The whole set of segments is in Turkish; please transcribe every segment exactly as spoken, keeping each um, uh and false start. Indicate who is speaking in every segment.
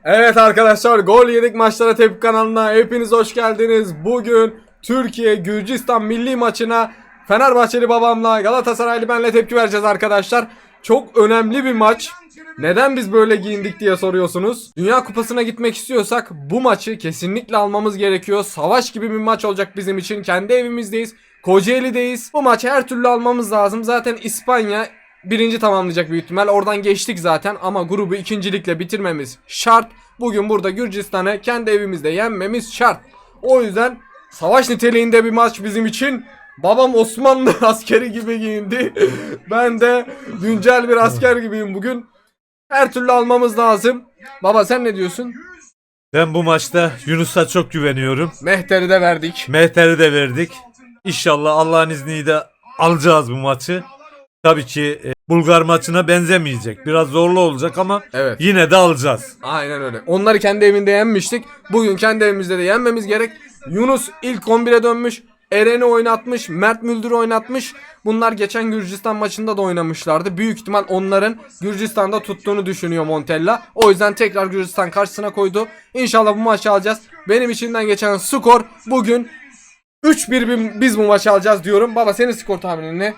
Speaker 1: Evet arkadaşlar, Gol Yedik Maçlara Tepki kanalına hepiniz hoş geldiniz. Bugün Türkiye Gürcistan milli maçına Fenerbahçeli babamla Galatasaraylı benle tepki vereceğiz arkadaşlar. Çok önemli bir maç. Neden biz böyle giyindik diye soruyorsunuz. Dünya Kupası'na gitmek istiyorsak bu maçı kesinlikle almamız gerekiyor. Savaş gibi bir maç olacak bizim için. Kendi evimizdeyiz. Kocaeli'deyiz. Bu maçı her türlü almamız lazım. Zaten İspanya birinci tamamlayacak büyük ihtimal. Oradan geçtik zaten ama grubu ikincilikle bitirmemiz şart. Bugün burada Gürcistan'ı kendi evimizde yenmemiz şart. O yüzden savaş niteliğinde bir maç bizim için. Babam Osmanlı askeri gibi giyindi. Ben de güncel bir asker gibiyim bugün. Her türlü almamız lazım. Baba sen ne diyorsun?
Speaker 2: Ben bu maçta Yunus'a çok güveniyorum.
Speaker 1: Mehter'i de verdik.
Speaker 2: Mehter'i de verdik. İnşallah Allah'ın izniyle alacağız bu maçı. Tabii ki e, Bulgar maçına benzemeyecek. Biraz zorlu olacak ama
Speaker 1: Evet.
Speaker 2: yine de alacağız.
Speaker 1: Aynen öyle. Onları kendi evinde yenmiştik. Bugün kendi evimizde de yenmemiz gerek. Yunus ilk on bire dönmüş. Eren'i oynatmış. Mert Müldür'ü oynatmış. Bunlar geçen Gürcistan maçında da oynamışlardı. Büyük ihtimal onların Gürcistan'da tuttuğunu düşünüyor Montella. O yüzden tekrar Gürcistan karşısına koydu. İnşallah bu maçı alacağız. Benim içimden geçen skor bugün üç bir biz bu maçı alacağız diyorum. Baba senin skor tahminin ne?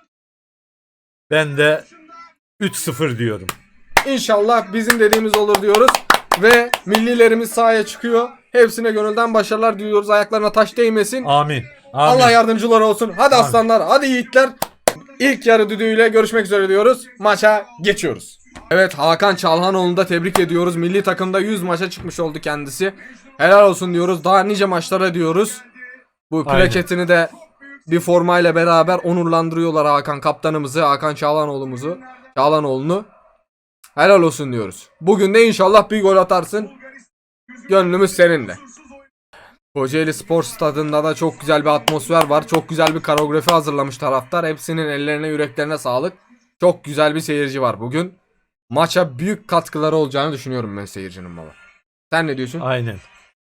Speaker 2: Ben de üç sıfır diyorum.
Speaker 1: İnşallah bizim dediğimiz olur diyoruz. Ve millilerimiz sahaya çıkıyor. Hepsine gönülden başarılar diliyoruz. Ayaklarına taş değmesin.
Speaker 2: Amin. Amin.
Speaker 1: Allah yardımcıları olsun. Hadi
Speaker 2: Amin.
Speaker 1: aslanlar, hadi yiğitler. İlk yarı düdüğüyle görüşmek üzere diyoruz. Maça geçiyoruz. Evet, Hakan Çalhanoğlu'nu da tebrik ediyoruz. Milli takımda yüz maça çıkmış oldu kendisi. Helal olsun diyoruz. Daha nice maçlara diyoruz. Bu
Speaker 2: Aynen.
Speaker 1: plaketini de bir formayla beraber onurlandırıyorlar Hakan kaptanımızı, Hakan Çağlanoğlu'muzu, Çağlanoğlu'nu. Helal olsun diyoruz. Bugün de inşallah bir gol atarsın. Gönlümüz seninle. Kocaeli Spor Stadı'nda da çok güzel bir atmosfer var. Çok güzel bir koreografi hazırlamış taraftar. Hepsinin ellerine yüreklerine sağlık. Çok güzel bir seyirci var bugün. Maça büyük katkıları olacağını düşünüyorum ben seyircinin baba. Sen ne diyorsun?
Speaker 2: Aynen.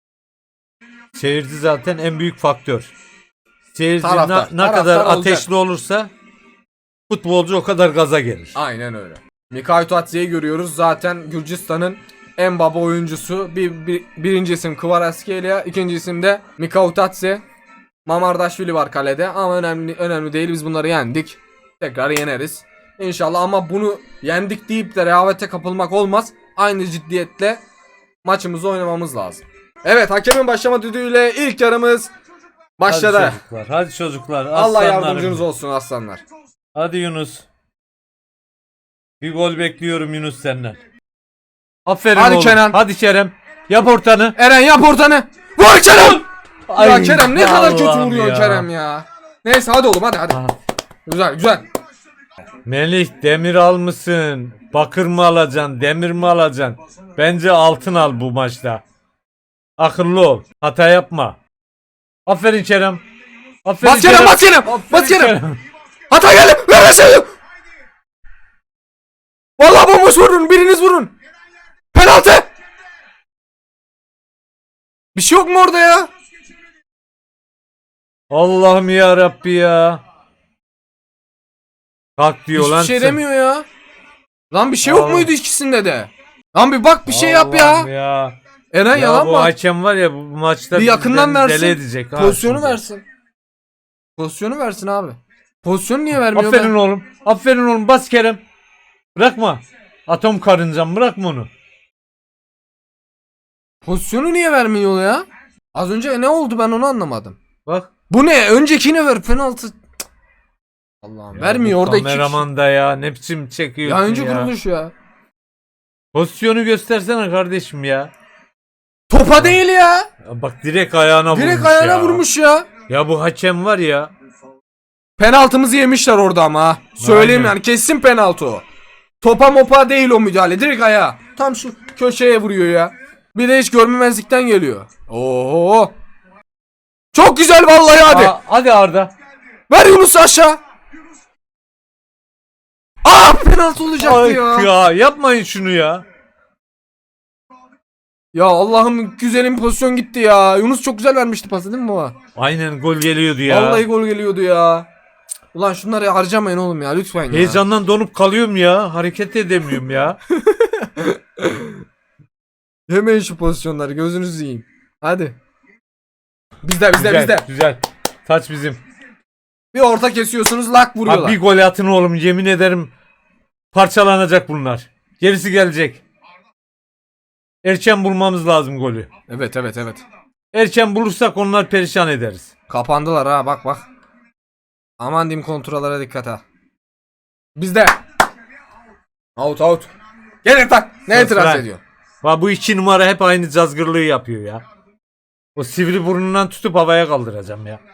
Speaker 2: Seyirci zaten en büyük faktör. Seyirci
Speaker 1: Taraftar,
Speaker 2: na- ne
Speaker 1: taraftar
Speaker 2: kadar
Speaker 1: olacak.
Speaker 2: ateşli olursa futbolcu o kadar gaza gelir.
Speaker 1: Aynen öyle. Mikhail Tuatse'yi görüyoruz. Zaten Gürcistan'ın en baba oyuncusu. Bir, bir, birinci isim Kvaratskhelia, ikinci isim de Mikhail Tuatse. Mamardaşvili var kalede ama önemli önemli değil, biz bunları yendik. Tekrar yeneriz. İnşallah, ama bunu yendik deyip de rehavete kapılmak olmaz. Aynı ciddiyetle maçımızı oynamamız lazım. Evet, hakemin başlama düdüğüyle ilk yarımız başladı.
Speaker 2: Hadi çocuklar. Hadi çocuklar.
Speaker 1: Allah
Speaker 2: aslanlarım.
Speaker 1: yardımcınız olsun aslanlar.
Speaker 2: Hadi Yunus. Bir gol bekliyorum Yunus senden. Aferin
Speaker 1: Hadi
Speaker 2: oğlum.
Speaker 1: Kenan.
Speaker 2: Hadi Kerem. Yap ortanı.
Speaker 1: Eren yap ortanı. Vur Kerem! Ya
Speaker 2: Ay,
Speaker 1: Kerem ne kadar kötü
Speaker 2: Allah'ım
Speaker 1: vuruyor
Speaker 2: ya.
Speaker 1: Kerem ya. Neyse hadi oğlum, hadi hadi.
Speaker 2: Ah.
Speaker 1: Güzel güzel.
Speaker 2: Melih demir almışsın. Bakır mı alacaksın? Demir mi alacaksın? Bence altın al bu maçta. Akıllı ol. Hata yapma. Aferin Kerem. Aferin
Speaker 1: Bas Kerem, bas Kerem.
Speaker 2: Aferin
Speaker 1: Bas Kerem. Hata geldi. Ver ver seni. Vallahi bomboş vurun. Biriniz vurun. Penaltı. Bir şey yok mu orada ya?
Speaker 2: Allah'ım ya Rabbi ya. Kalk diyor
Speaker 1: Hiçbir
Speaker 2: lan.
Speaker 1: şey
Speaker 2: sen.
Speaker 1: demiyor ya. Lan bir şey yok
Speaker 2: Allah.
Speaker 1: muydu ikisinde de? Lan bir bak, bir şey yap
Speaker 2: Allah'ım
Speaker 1: ya.
Speaker 2: ya.
Speaker 1: Eren
Speaker 2: Ya
Speaker 1: yalan
Speaker 2: bu
Speaker 1: mı?
Speaker 2: hakem var ya bu maçta
Speaker 1: Bir yakından
Speaker 2: bizden
Speaker 1: versin.
Speaker 2: deli edecek. ha
Speaker 1: Pozisyonu
Speaker 2: şimdi.
Speaker 1: versin. Pozisyonu versin abi. Pozisyonu niye vermiyor?
Speaker 2: Aferin
Speaker 1: be?
Speaker 2: oğlum. Aferin oğlum. Bas Kerem. Bırakma. Atom karıncam bırakma onu.
Speaker 1: Pozisyonu niye vermiyor ya? Az önce ne oldu, ben onu anlamadım.
Speaker 2: Bak.
Speaker 1: Bu ne? Öncekini ver, penaltı. Cık. Allah'ım,
Speaker 2: Ya
Speaker 1: vermiyor
Speaker 2: bu
Speaker 1: orada iki kişi.
Speaker 2: kameraman da ya ne biçim çekiyorsun
Speaker 1: Ya
Speaker 2: ya.
Speaker 1: önce kuruluş ya.
Speaker 2: Pozisyonu göstersene kardeşim ya.
Speaker 1: Topa değil ya.
Speaker 2: Ya bak direkt ayağına vurmuş
Speaker 1: Direkt ayağına
Speaker 2: ya.
Speaker 1: vurmuş ya.
Speaker 2: Ya bu hakem var ya.
Speaker 1: Penaltımızı yemişler orada ama. ha. Söyleyeyim
Speaker 2: Aynen.
Speaker 1: yani, kesin penaltı o. Topa mopa değil o müdahale. Direkt ayağa. Tam şu köşeye vuruyor ya. Bir de hiç görmemezlikten geliyor. Oo. Çok güzel vallahi, hadi.
Speaker 2: Aa, hadi Arda.
Speaker 1: Ver Yunus aşağı. Aa, penaltı olacaktı
Speaker 2: Ay
Speaker 1: ya.
Speaker 2: ya yapmayın şunu ya.
Speaker 1: Ya Allah'ım, güzelim pozisyon gitti ya. Yunus çok güzel vermişti pası, değil mi baba?
Speaker 2: Aynen gol geliyordu ya.
Speaker 1: Vallahi gol geliyordu ya. Ulan şunları harcamayın oğlum ya, lütfen ya.
Speaker 2: Heyecandan donup kalıyorum ya. Hareket edemiyorum ya.
Speaker 1: Yemeyin şu pozisyonları, gözünüzü yiyeyim. Hadi. Bizde bizde
Speaker 2: Güzel,
Speaker 1: bizde.
Speaker 2: güzel. Taç bizim.
Speaker 1: Bir orta kesiyorsunuz, lak vuruyorlar.
Speaker 2: Abi bir gol atın oğlum, yemin ederim parçalanacak bunlar. Gerisi gelecek. Erken bulmamız lazım golü.
Speaker 1: Evet evet evet.
Speaker 2: Erken bulursak onlar perişan ederiz.
Speaker 1: Kapandılar ha, bak bak. Aman diyeyim, kontrollara dikkat ha. Bizde. Out out. Gel tak. Ne
Speaker 2: Sus
Speaker 1: itiraz
Speaker 2: lan.
Speaker 1: ediyor?
Speaker 2: Va bu iki numara hep aynı cazgırlığı yapıyor ya. O sivri burnundan tutup havaya kaldıracağım ya.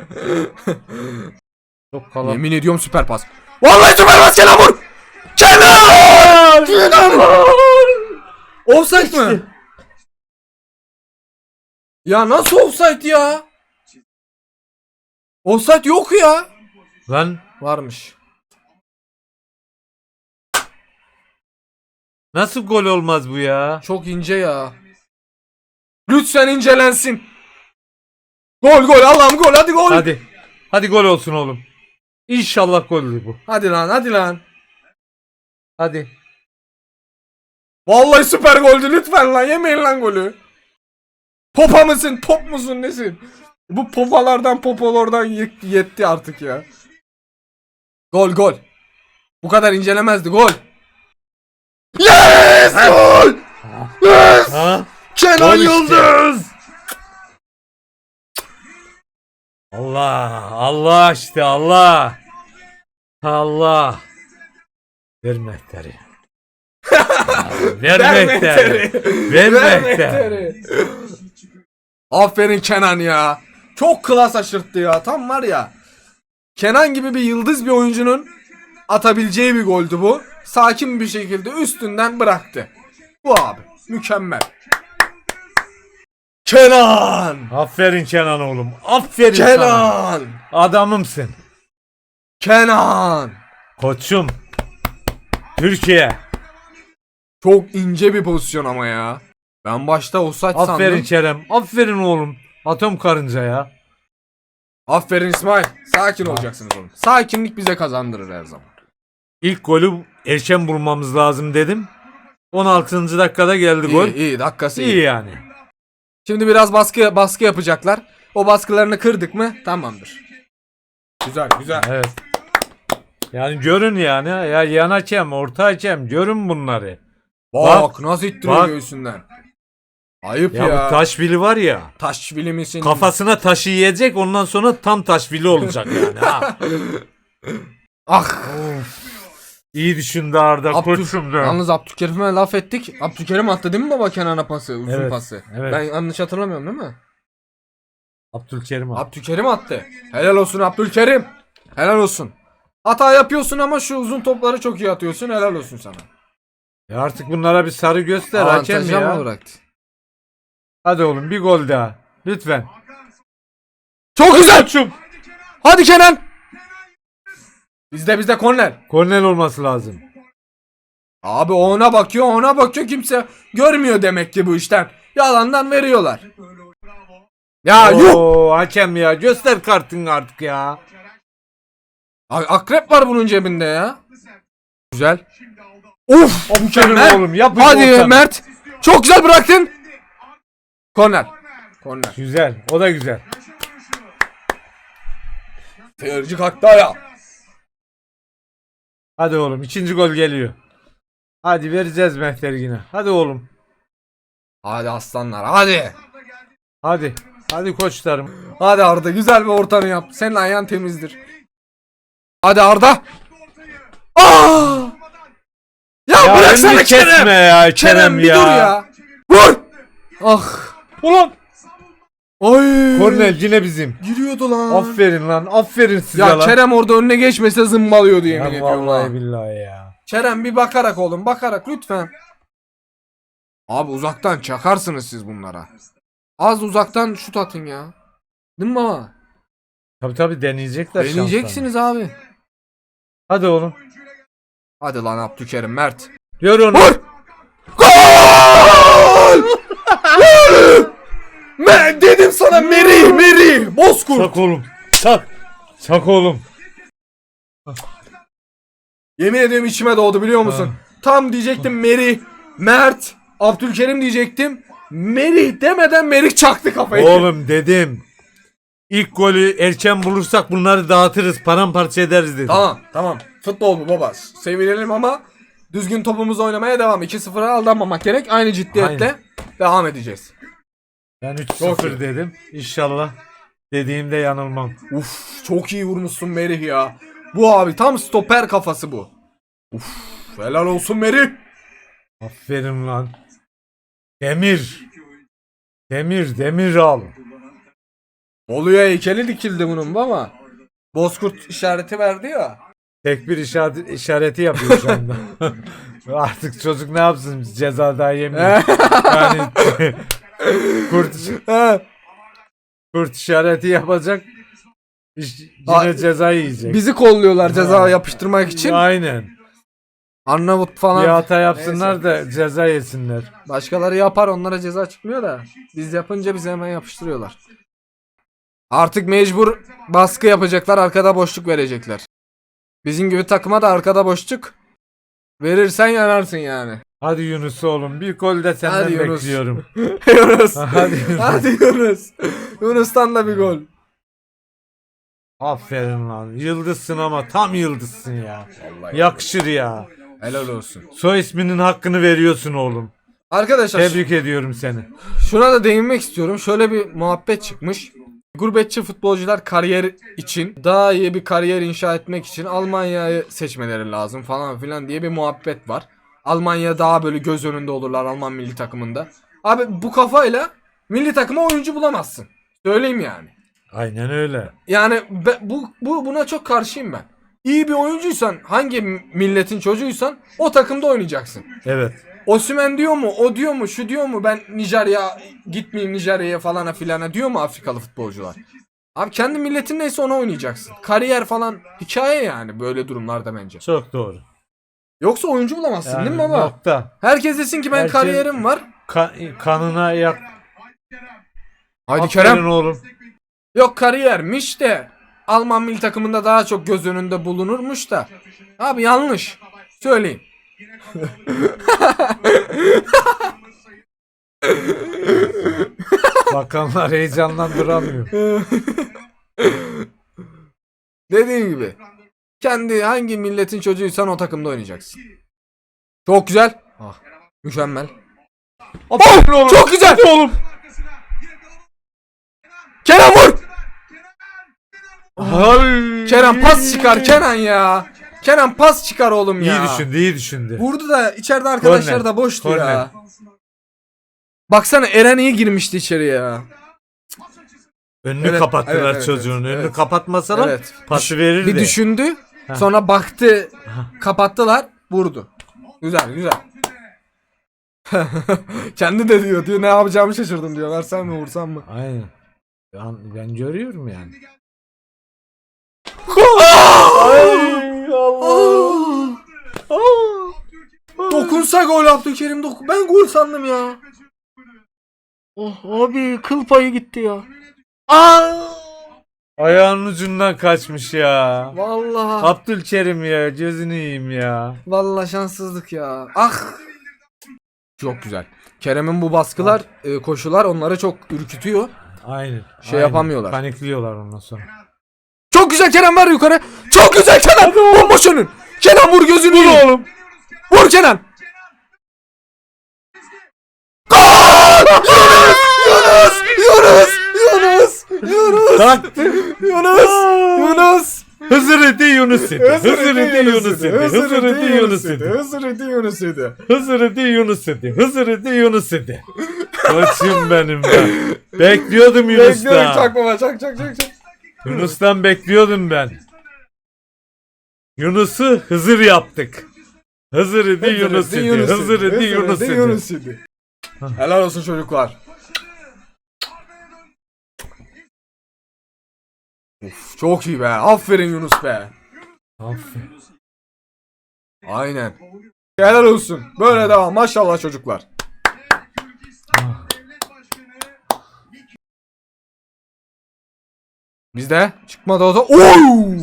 Speaker 2: Çok kalan.
Speaker 1: Yemin ediyorum süper pas. Vallahi süper pas, Kenan vur. Kenan! Kenan! Offside mı? Ya nasıl offside ya? Offside yok ya.
Speaker 2: Lan
Speaker 1: Varmış.
Speaker 2: nasıl gol olmaz bu ya?
Speaker 1: Çok ince ya. Lütfen incelensin. Gol gol, Allah'ım gol, hadi gol.
Speaker 2: Hadi. Hadi gol olsun oğlum. İnşallah goldür bu.
Speaker 1: Hadi lan, hadi lan.
Speaker 2: Hadi.
Speaker 1: Vallahi süper goldü, lütfen lan, yemeyin lan golü. Popa mısın, top musun, nesin? Bu popalardan popolardan yetti, yetti artık ya. Gol gol. Bu kadar incelemezdi, gol. Yes! Gol! Yes!
Speaker 2: Ha?
Speaker 1: Kenan
Speaker 2: Gol işte.
Speaker 1: Yıldız!
Speaker 2: Allah. Allah işte Allah. Allah. Ver mehteri. Ver mehteri. Ver mehteri.
Speaker 1: Aferin Kenan ya. Çok klas aşırttı ya. Tam var ya. Kenan gibi bir yıldız bir oyuncunun atabileceği bir goldü bu. Sakin bir şekilde üstünden bıraktı. Bu abi. Mükemmel. Kenan!
Speaker 2: Aferin Kenan oğlum. Aferin sana.
Speaker 1: Kenan!
Speaker 2: Adamımsın.
Speaker 1: Kenan!
Speaker 2: Koçum. Türkiye.
Speaker 1: Çok ince bir pozisyon ama ya. Ben başta offside sandım.
Speaker 2: Aferin Kerem. Aferin oğlum. Atom karınca ya.
Speaker 1: Aferin İsmail. Sakin olacaksınız oğlum. Sakinlik bize kazandırır her zaman.
Speaker 2: İlk golü erken bulmamız lazım dedim. on altıncı dakikada geldi gol.
Speaker 1: İyi, iyi, dakikası iyi.
Speaker 2: İyi yani.
Speaker 1: Şimdi biraz baskı baskı yapacaklar. O baskılarını kırdık mı tamamdır. Güzel güzel.
Speaker 2: Evet. Yani görün yani. Ya yan hakem, orta hakem görün bunları.
Speaker 1: Bak,
Speaker 2: Bak,
Speaker 1: nasıl ittiriyor
Speaker 2: bak.
Speaker 1: göğsünden. Ayıp
Speaker 2: Ya,
Speaker 1: ya.
Speaker 2: bu taşvili var ya.
Speaker 1: Taş bilimisin.
Speaker 2: Kafasına taşı yiyecek, ondan sonra tam taşvili olacak yani. Ha.
Speaker 1: Ah.
Speaker 2: İyi düşündü Arda
Speaker 1: Abdü-
Speaker 2: koçum da.
Speaker 1: Yalnız Abdülkerim'e laf ettik. Abdülkerim attı değil mi baba Kenan'a pası? Uzun
Speaker 2: Evet,
Speaker 1: pası.
Speaker 2: evet.
Speaker 1: Ben yanlış hatırlamıyorum değil mi?
Speaker 2: Abdülkerim abi.
Speaker 1: Abdülkerim attı. Helal olsun Abdülkerim. Helal olsun. Hata yapıyorsun ama şu uzun topları çok iyi atıyorsun. Helal olsun sana.
Speaker 2: Ya artık bunlara bir sarı göster hakem
Speaker 1: Avantajı ama
Speaker 2: ya.
Speaker 1: bıraktı.
Speaker 2: Hadi oğlum bir gol daha. Lütfen.
Speaker 1: Çok güzel. Koçum. Hadi Kenan. Bizde bizde korner.
Speaker 2: Kornel olması lazım.
Speaker 1: Abi o ona bakıyor, ona bakıyor, kimse görmüyor demek ki bu işten. Yalandan veriyorlar. Ya yuh!
Speaker 2: Oo, hakem ya göster kartını artık ya.
Speaker 1: A- Akrep var bunun cebinde ya. Güzel. Uf!
Speaker 2: Aferin
Speaker 1: Mükemmel.
Speaker 2: oğlum yap.
Speaker 1: Hadi
Speaker 2: ortanı.
Speaker 1: Mert. Çok güzel bıraktın. Korner. Korner.
Speaker 2: Güzel, o da güzel.
Speaker 1: Seyirci kalktı ayağa.
Speaker 2: Hadi oğlum ikinci gol geliyor. Hadi vereceğiz Mehter'i yine. Hadi oğlum.
Speaker 1: Hadi aslanlar hadi.
Speaker 2: Hadi. Hadi koçlarım.
Speaker 1: Hadi Arda güzel bir ortanı yap. Senin ayağın temizdir. Hadi Arda. Aa! Ya,
Speaker 2: Ya
Speaker 1: bıraksana
Speaker 2: elini
Speaker 1: Kerem.
Speaker 2: kesme ya Kerem,
Speaker 1: Kerem bir
Speaker 2: ya.
Speaker 1: dur ya. Vur. Ah.
Speaker 2: Ulan.
Speaker 1: Ay.
Speaker 2: Kornel yine bizim.
Speaker 1: Giriyordu lan.
Speaker 2: Aferin lan. Aferin size
Speaker 1: Ya
Speaker 2: lan.
Speaker 1: Kerem orada önüne geçmese zımbalıyordu yemin
Speaker 2: Ya
Speaker 1: ediyorum.
Speaker 2: vallahi
Speaker 1: ha.
Speaker 2: billahi ya.
Speaker 1: Kerem bir bakarak oğlum, bakarak lütfen. Abi uzaktan çakarsınız siz bunlara. Az uzaktan şut atın ya. Değil mi baba?
Speaker 2: Tabi tabi deneyecekler şanslarını.
Speaker 1: Deneyeceksiniz abi.
Speaker 2: Hadi oğlum.
Speaker 1: Hadi lan Abdülkerim Mert.
Speaker 2: Gör onu.
Speaker 1: Vur! Gol! Gol! Ben dedim sana Meri, Meri, Bozkurt.
Speaker 2: Çak oğlum. Çak. Çak oğlum.
Speaker 1: Yemin ediyorum içime doğdu biliyor musun?
Speaker 2: Ha.
Speaker 1: Tam diyecektim Meri, Mert, Abdülkerim diyecektim. Merih demeden Merih çaktı kafayı.
Speaker 2: Oğlum dedim. İlk golü erken bulursak bunları dağıtırız. Paramparça ederiz dedim.
Speaker 1: Tamam tamam. Futbol bu baba. Sevinelim ama düzgün topumuzu oynamaya devam. iki sıfıra aldanmamak gerek. Aynı ciddiyetle
Speaker 2: Aynen.
Speaker 1: devam edeceğiz.
Speaker 2: Ben üç
Speaker 1: Çok
Speaker 2: sıfır
Speaker 1: iyi.
Speaker 2: dedim. İnşallah dediğimde yanılmam.
Speaker 1: Uf çok iyi vurmuşsun Merih ya. Bu abi tam stoper kafası bu. Uf helal olsun Merih.
Speaker 2: Aferin lan. Demir. Demir, demir al.
Speaker 1: Bolu'ya heykeli dikildi bunun ama. Bozkurt işareti verdi ya.
Speaker 2: Tek bir işaret, işareti yapıyor şu anda. Artık çocuk ne yapsın? Ceza daha yemiyor. Yani kurt,
Speaker 1: He.
Speaker 2: kurt işareti yapacak. İş-
Speaker 1: Aa,
Speaker 2: Yine ceza yiyecek.
Speaker 1: Bizi kolluyorlar ceza yapıştırmak için.
Speaker 2: Aynen.
Speaker 1: Arnavut falan.
Speaker 2: Bir hata yapsınlar da ceza yesinler.
Speaker 1: Başkaları yapar onlara ceza çıkmıyor da. Biz yapınca bize hemen yapıştırıyorlar. Artık mecbur baskı yapacaklar, arkada boşluk verecekler. Bizim gibi takıma da arkada boşluk verirsen yanarsın yani.
Speaker 2: Hadi Yunus oğlum bir gol de senden
Speaker 1: Hadi Yunus.
Speaker 2: bekliyorum.
Speaker 1: Yunus.
Speaker 2: Hadi Yunus.
Speaker 1: Hadi Yunus. Yunus'tan da bir gol.
Speaker 2: Aferin lan. Yıldızsın ama tam yıldızsın ya.
Speaker 1: Vallahi
Speaker 2: Yakışır ya.
Speaker 1: helal olsun.
Speaker 2: Soy isminin hakkını veriyorsun oğlum.
Speaker 1: Arkadaşlar
Speaker 2: Tebrik ediyorum seni.
Speaker 1: şuna da değinmek istiyorum. Şöyle bir muhabbet çıkmış. Gurbetçi futbolcular kariyer için, daha iyi bir kariyer inşa etmek için Almanya'yı seçmeleri lazım falan filan diye bir muhabbet var. Almanya daha böyle göz önünde olurlar Alman milli takımında. Abi bu kafayla milli takıma oyuncu bulamazsın. Söyleyeyim yani.
Speaker 2: Aynen öyle.
Speaker 1: Yani be- bu, bu buna çok karşıyım ben. İyi bir oyuncuysan, hangi milletin çocuğuysan o takımda oynayacaksın.
Speaker 2: Evet.
Speaker 1: Osimhen diyor mu, o diyor mu, şu diyor mu, ben Nijerya gitmeyeyim Nijerya'ya falana filana diyor mu Afrikalı futbolcular? Abi kendi milletin neyse ona oynayacaksın. Kariyer falan hikaye yani böyle durumlarda bence.
Speaker 2: Çok doğru.
Speaker 1: Yoksa oyuncu bulamazsın
Speaker 2: Yani
Speaker 1: değil mi baba?
Speaker 2: nokta.
Speaker 1: Herkes desin ki ben
Speaker 2: Herkes-
Speaker 1: kariyerim var.
Speaker 2: Ka- kanına yak.
Speaker 1: Haydi
Speaker 2: Aferin
Speaker 1: Kerem.
Speaker 2: oğlum.
Speaker 1: Yok kariyermiş de Alman milli takımında daha çok göz önünde bulunurmuş da. Abi yanlış. Söyleyeyim.
Speaker 2: Bakanlar heyecandan duramıyor.
Speaker 1: Dediğim gibi. Kendi hangi milletin çocuğuysan o takımda oynayacaksın. Çok güzel. Ah, mükemmel.
Speaker 2: Aferin oğlum.
Speaker 1: Çok güzel.
Speaker 2: oğlum.
Speaker 1: Kenan vur.
Speaker 2: Ay.
Speaker 1: Kenan pas çıkar Kenan ya. Kenan pas çıkar oğlum ya.
Speaker 2: İyi düşündü, iyi düşündü.
Speaker 1: Vurdu da içeride arkadaşlar
Speaker 2: Korner.
Speaker 1: da boştu
Speaker 2: Korner.
Speaker 1: ya. Baksana Eren iyi girmişti içeri ya.
Speaker 2: Önünü
Speaker 1: Evet,
Speaker 2: kapattılar
Speaker 1: evet, evet,
Speaker 2: çocuğun.
Speaker 1: evet,
Speaker 2: Önünü
Speaker 1: evet.
Speaker 2: kapatmasalar
Speaker 1: Evet.
Speaker 2: pası verirdi.
Speaker 1: Bir düşündü.
Speaker 2: Heh.
Speaker 1: Sonra baktı. Kapattılar. Vurdu. Güzel güzel. Kendi de diyor diyor ne yapacağımı şaşırdım diyor. Versem mi vursam mı?
Speaker 2: Aynen. Ben, ben görüyorum yani.
Speaker 1: Ay Allah. Dokunsa gol Abdülkerim dokun. Ben gol sandım ya. Oh abi kıl payı gitti ya. Aa!
Speaker 2: Ayağının ucundan kaçmış ya.
Speaker 1: Vallahi.
Speaker 2: Abdülkerim ya, gözünü yiyeyim ya.
Speaker 1: Vallahi şanssızlık ya. Ah. Çok güzel. Kerem'in bu baskılar, e, koşular onları çok ürkütüyor.
Speaker 2: Aynen.
Speaker 1: Şey
Speaker 2: aynen.
Speaker 1: yapamıyorlar.
Speaker 2: Panikliyorlar ondan sonra.
Speaker 1: Çok güzel Kenan ver yukarı. Çok güzel Kenan. Bomboş önün. Kenan vur gözünü yiyeyim.
Speaker 2: Oğlum.
Speaker 1: Vur Kenan. Gol! Yunus! Yunus! Yunus! Yunus!
Speaker 2: Taktı.
Speaker 1: Yunus! Yunus!
Speaker 2: Hızır idi Yunus idi. Hızır idi Yunus idi. Hızır idi Yunus idi.
Speaker 1: Hızır idi Yunus idi.
Speaker 2: Hızır idi Yunus idi. Hızır idi Yunus idi. Koçum benim ben. Bekliyordum
Speaker 1: Bekliyorum
Speaker 2: Yunus'tan.
Speaker 1: çak baba çak çak çak çak.
Speaker 2: Yunus'tan bekliyordum ben. Yunus'u Hızır yaptık. Hızır idi Yunus idi. Hızır idi Yunus idi.
Speaker 1: Yunus idi. Helal olsun çocuklar. Of, çok iyi be. Aferin Yunus be.
Speaker 2: Aferin.
Speaker 1: Aynen. Helal olsun. Böyle devam. Maşallah çocuklar. Bizde çıkmadı o da. Oy!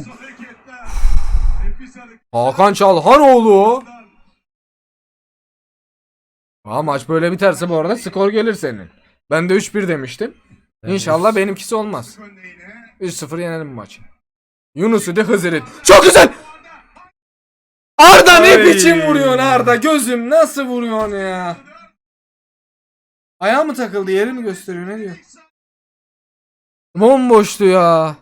Speaker 1: Hakan Çalhanoğlu. Aa, maç böyle biterse bu arada skor gelir senin. Ben de üç bir demiştim. İnşallah benimkisi olmaz. üç sıfır yenelim bu maçı. Yunus'u de Hızır'ı. Çok güzel. Arda ne
Speaker 2: Ay.
Speaker 1: biçim vuruyorsun Arda? Gözüm nasıl vuruyorsun ya? Ayağı mı takıldı? Yeri mi gösteriyor? Ne diyor? Bomboştu ya.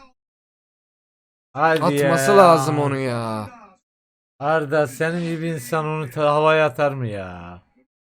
Speaker 2: Hadi
Speaker 1: Atması
Speaker 2: ya.
Speaker 1: lazım onu ya.
Speaker 2: Arda senin gibi insan onu ta- havaya atar mı ya?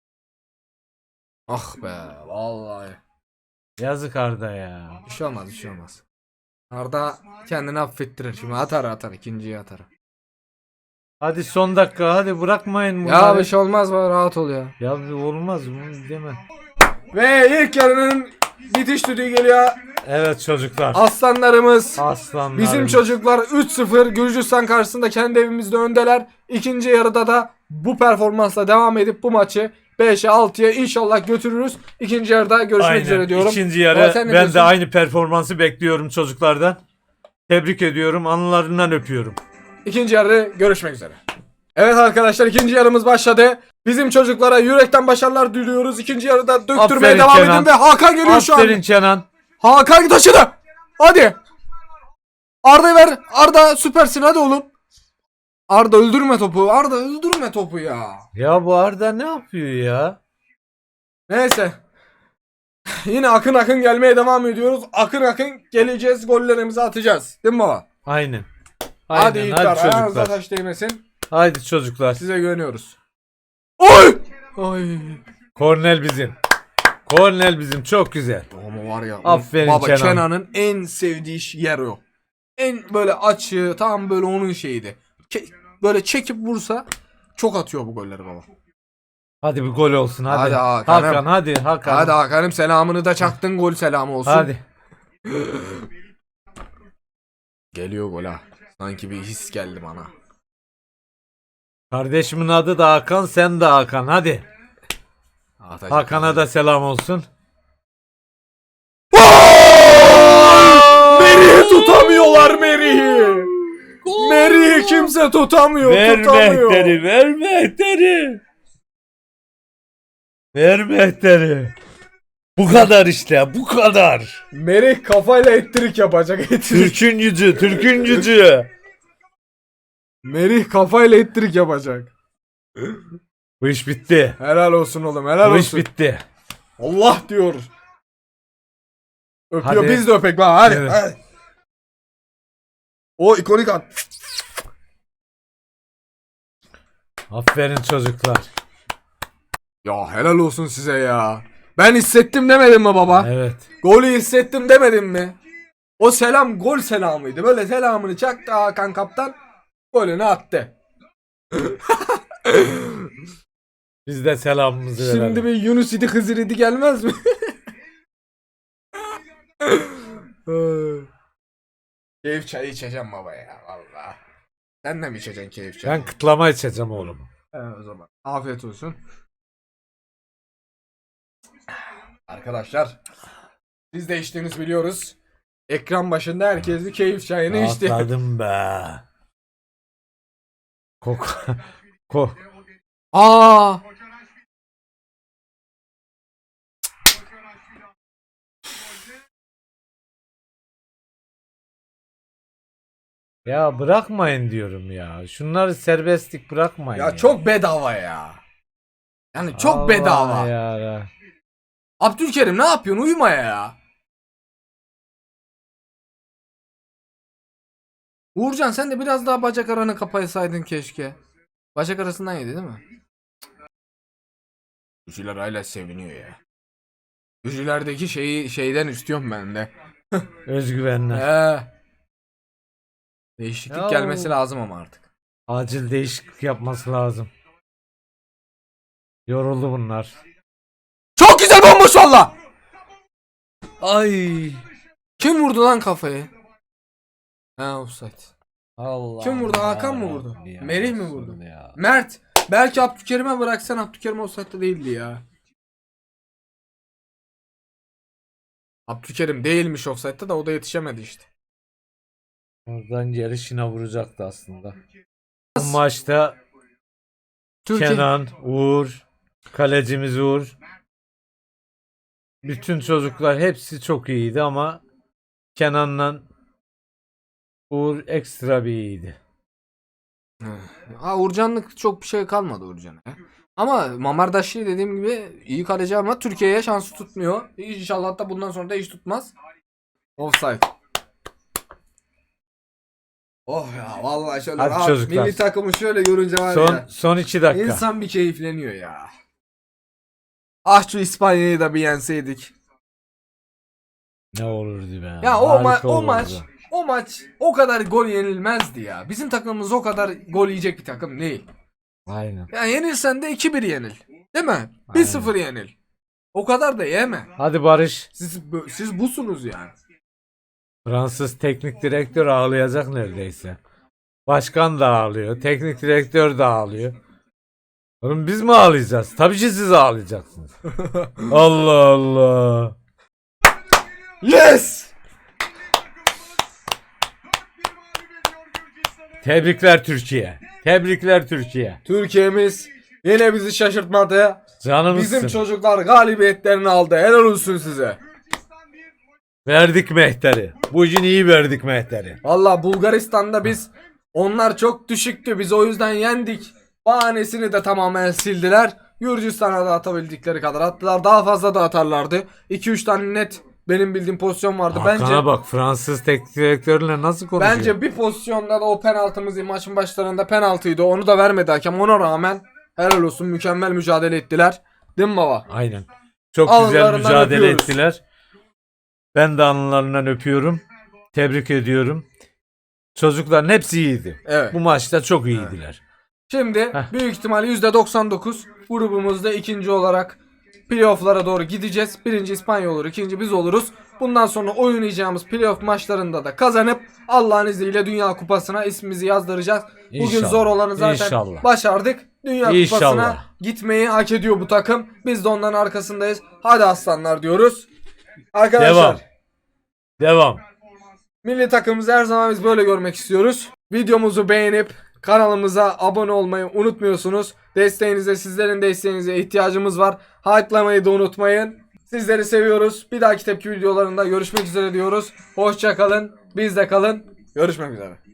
Speaker 1: Ah be vallahi.
Speaker 2: Yazık Arda ya.
Speaker 1: Bir şey olmaz bir şey olmaz. Arda kendini affettirir şimdi, atar atar ikinciyi atar.
Speaker 2: Hadi son dakika hadi bırakmayın
Speaker 1: Ya
Speaker 2: bunları.
Speaker 1: bir şey olmaz be, rahat ol ya.
Speaker 2: Ya bir olmaz bunu deme.
Speaker 1: Ve ilk yarının bitiş düdüğü geliyor.
Speaker 2: Evet çocuklar.
Speaker 1: Aslanlarımız.
Speaker 2: Aslanlar.
Speaker 1: Bizim çocuklar üç sıfır Gürcistan karşısında kendi evimizde öndeler. İkinci yarıda da bu performansla devam edip bu maçı beşe altıya inşallah götürürüz. İkinci yarıda görüşmek
Speaker 2: Aynen.
Speaker 1: üzere diyorum.
Speaker 2: İkinci
Speaker 1: Baba,
Speaker 2: yarı
Speaker 1: sen ne
Speaker 2: ben
Speaker 1: diyorsun?
Speaker 2: de aynı performansı bekliyorum çocuklardan. Tebrik ediyorum. Anılarından öpüyorum.
Speaker 1: İkinci yarı görüşmek üzere. Evet arkadaşlar, ikinci yarımız başladı. Bizim çocuklara yürekten başarılar diliyoruz. İkinci yarıda döktürmeye
Speaker 2: Aferin
Speaker 1: devam
Speaker 2: Kenan.
Speaker 1: edin ve Hakan geliyor şu an.
Speaker 2: Aferin Kenan.
Speaker 1: Hakan taşıdı. Hadi. Arda ver. Arda süpersin, hadi oğlum. Arda öldürme topu. Arda öldürme topu ya.
Speaker 2: Ya bu Arda ne yapıyor ya?
Speaker 1: Neyse. Yine akın akın gelmeye devam ediyoruz. Akın akın geleceğiz. Gollerimizi atacağız. Değil mi baba?
Speaker 2: Aynen. Aynen.
Speaker 1: Hadi Yiğitler.
Speaker 2: Hadi
Speaker 1: Ayağınıza
Speaker 2: çocuklar.
Speaker 1: taş değmesin.
Speaker 2: Haydi çocuklar.
Speaker 1: Size güveniyoruz. Oy! Ay.
Speaker 2: Kornel bizim. Kornel bizim. Çok güzel.
Speaker 1: Ama var ya.
Speaker 2: Aferin
Speaker 1: baba,
Speaker 2: Kenan.
Speaker 1: Kenan'ın en sevdiği yer o. En böyle açığı, tam böyle onun şeyiydi. Ke- böyle çekip vursa çok atıyor bu golleri baba.
Speaker 2: Hadi bir gol olsun hadi.
Speaker 1: Hadi Hakan'ım.
Speaker 2: Hakan hadi Hakan.
Speaker 1: Hadi Hakan'ım, selamını da çaktın, gol selamı olsun.
Speaker 2: Hadi.
Speaker 1: Geliyor gol ha. Sanki bir his geldi bana.
Speaker 2: Kardeşimin adı da Hakan, sen de Hakan. Hadi.
Speaker 1: Atacak,
Speaker 2: Hakan'a
Speaker 1: atacak.
Speaker 2: da selam olsun.
Speaker 1: Merih'i tutamıyorlar, Merih'i. Merih'i kimse tutamıyor.
Speaker 2: Ver
Speaker 1: tutamıyor.
Speaker 2: mehteri, ver mehteri. Ver mehteri. Bu kadar işte, bu kadar.
Speaker 1: Merih kafayla ettirik yapacak. Ettirik.
Speaker 2: Türk'ün gücü, Türk'ün gücü.
Speaker 1: Merih kafayla ettirik yapacak.
Speaker 2: Bu iş bitti.
Speaker 1: Helal olsun oğlum, helal
Speaker 2: Bu iş
Speaker 1: olsun.
Speaker 2: bitti.
Speaker 1: Allah diyor. Öpüyor,
Speaker 2: Hadi.
Speaker 1: biz de öpek lan, hadi.
Speaker 2: Evet.
Speaker 1: hadi. O ikonik an.
Speaker 2: Aferin çocuklar.
Speaker 1: Ya helal olsun size ya. Ben hissettim demedim mi baba?
Speaker 2: Evet.
Speaker 1: Golü hissettim demedim mi? O selam gol selamıydı. Böyle selamını çaktı Hakan kaptan. Golünü attı.
Speaker 2: Biz de selamımızı verelim.
Speaker 1: Şimdi bir Yunus idi Hızır idi gelmez mi? Keyif çayı içeceğim baba ya vallahi. Sen de mi içeceksin keyif çayı?
Speaker 2: Ben kıtlama içeceğim oğlum.
Speaker 1: Evet, o zaman. Afiyet olsun. Arkadaşlar, siz de içtiğinizi biliyoruz. Ekran başında herkes bir keyif çayını içti.
Speaker 2: Atladım be. Kok. Kok.
Speaker 1: Aa!
Speaker 2: Ya bırakmayın diyorum ya. Şunları serbestlik bırakmayın ya.
Speaker 1: Ya çok bedava ya. Yani çok
Speaker 2: Allah
Speaker 1: bedava.
Speaker 2: ya.
Speaker 1: Abdülkerim ne yapıyorsun? Uyuma ya. Uğurcan, sen de biraz daha bacak aranı kapasaydın keşke. Bacak arasından yedi değil mi? Gücüler hala seviniyor ya. Gücülerdeki şeyi şeyden istiyorum ben de.
Speaker 2: Özgüvenler.
Speaker 1: Ee, değişiklik
Speaker 2: Ya
Speaker 1: gelmesi
Speaker 2: o-
Speaker 1: lazım ama artık.
Speaker 2: Acil değişiklik yapması lazım. Yoruldu bunlar.
Speaker 1: Çok güzel bomboş valla.
Speaker 2: Ay.
Speaker 1: Kim vurdu lan kafayı? Ha, offside.
Speaker 2: Allah.
Speaker 1: Kim vurdu? Hakan mı
Speaker 2: ya
Speaker 1: vurdu?
Speaker 2: Rabbi ya,
Speaker 1: Merih mi
Speaker 2: Resul
Speaker 1: vurdu?
Speaker 2: Ya.
Speaker 1: Mert. Belki Abdülkerim'e bıraksan, Abdülkerim offside'da değildi ya. Abdülkerim değilmiş offside'da da o da yetişemedi işte.
Speaker 2: Oradan yarışına vuracaktı aslında. Bu maçta
Speaker 1: Türkiye.
Speaker 2: Kenan, Uğur Kalecimiz Uğur. Bütün çocuklar hepsi çok iyiydi ama Kenan'la Uğur ekstra bir iyiydi.
Speaker 1: Ha, Uğurcanlık çok bir şey kalmadı Uğurcan'a. Ama Mamardaşlı dediğim gibi iyi kaleci ama Türkiye'ye şansı tutmuyor. İnşallah da bundan sonra da hiç tutmaz. Offside. Oh ya vallahi şöyle
Speaker 2: Hadi
Speaker 1: rahat,
Speaker 2: çocuklar.
Speaker 1: milli takımı şöyle görünce var
Speaker 2: Son
Speaker 1: ya.
Speaker 2: son iki dakika.
Speaker 1: İnsan bir keyifleniyor ya. Ah şu İspanya'yı da bir yenseydik.
Speaker 2: Ne olurdu be.
Speaker 1: Ya o, ma-
Speaker 2: Harika
Speaker 1: o
Speaker 2: olurdu.
Speaker 1: maç o maç o kadar gol yenilmezdi ya. Bizim takımımız o kadar gol yiyecek bir takım değil.
Speaker 2: Aynen.
Speaker 1: Ya yenilsen de iki bir yenil. Değil mi? bir sıfır yenil. O kadar da yeme.
Speaker 2: Hadi Barış.
Speaker 1: Siz bö- siz busunuz yani.
Speaker 2: Fransız teknik direktör ağlayacak neredeyse. Başkan da ağlıyor. Teknik direktör de ağlıyor. Oğlum biz mi ağlayacağız? Tabii ki siz ağlayacaksınız. Allah Allah.
Speaker 1: Yes!
Speaker 2: Tebrikler Türkiye. Tebrikler Türkiye.
Speaker 1: Türkiye'miz yine bizi şaşırtmadı.
Speaker 2: Canımızsın.
Speaker 1: Bizim çocuklar galibiyetlerini aldı. Helal olsun size.
Speaker 2: Verdik mehteri. Bugün iyi verdik mehteri.
Speaker 1: Valla Bulgaristan'da biz onlar çok düşüktü. Biz o yüzden yendik. Bahanesini de tamamen sildiler. Gürcistan'a da atabildikleri kadar attılar. Daha fazla da atarlardı. iki üç tane net benim bildiğim pozisyon vardı.
Speaker 2: Hakan'a
Speaker 1: Bence
Speaker 2: bak, Fransız teknik direktörle nasıl konuşuyor?
Speaker 1: bence bir pozisyonda da o penaltımız maçın başlarında penaltıydı. Onu da vermedi hakem. Ona rağmen helal olsun, mükemmel mücadele ettiler. Değil mi baba?
Speaker 2: Aynen. Çok güzel
Speaker 1: Alınlarından
Speaker 2: mücadele
Speaker 1: öpüyoruz.
Speaker 2: ettiler. Ben de alınlarından öpüyorum. Tebrik ediyorum. Çocukların hepsi iyiydi.
Speaker 1: Evet.
Speaker 2: Bu maçta çok iyiydiler.
Speaker 1: Şimdi
Speaker 2: Heh.
Speaker 1: büyük ihtimal yüzde doksan dokuz grubumuzda ikinci olarak playoff'lara doğru gideceğiz. Birinci İspanya olur, ikinci biz oluruz. Bundan sonra oynayacağımız playoff maçlarında da kazanıp Allah'ın izniyle Dünya Kupası'na ismimizi yazdıracağız. Bugün
Speaker 2: İnşallah.
Speaker 1: zor olanı zaten
Speaker 2: İnşallah.
Speaker 1: başardık. Dünya
Speaker 2: İnşallah.
Speaker 1: Kupası'na gitmeyi hak ediyor bu takım. Biz de onların arkasındayız. Hadi aslanlar diyoruz. Arkadaşlar
Speaker 2: Devam. Devam.
Speaker 1: milli takımımızı her zaman biz böyle görmek istiyoruz. Videomuzu beğenip kanalımıza abone olmayı unutmuyorsunuz. Desteğinize, sizlerin desteğinize ihtiyacımız var. Hype'lamayı da unutmayın. Sizleri seviyoruz. Bir dahaki tepki videolarında görüşmek üzere diyoruz. Hoşça kalın. Bizde kalın. Görüşmek üzere.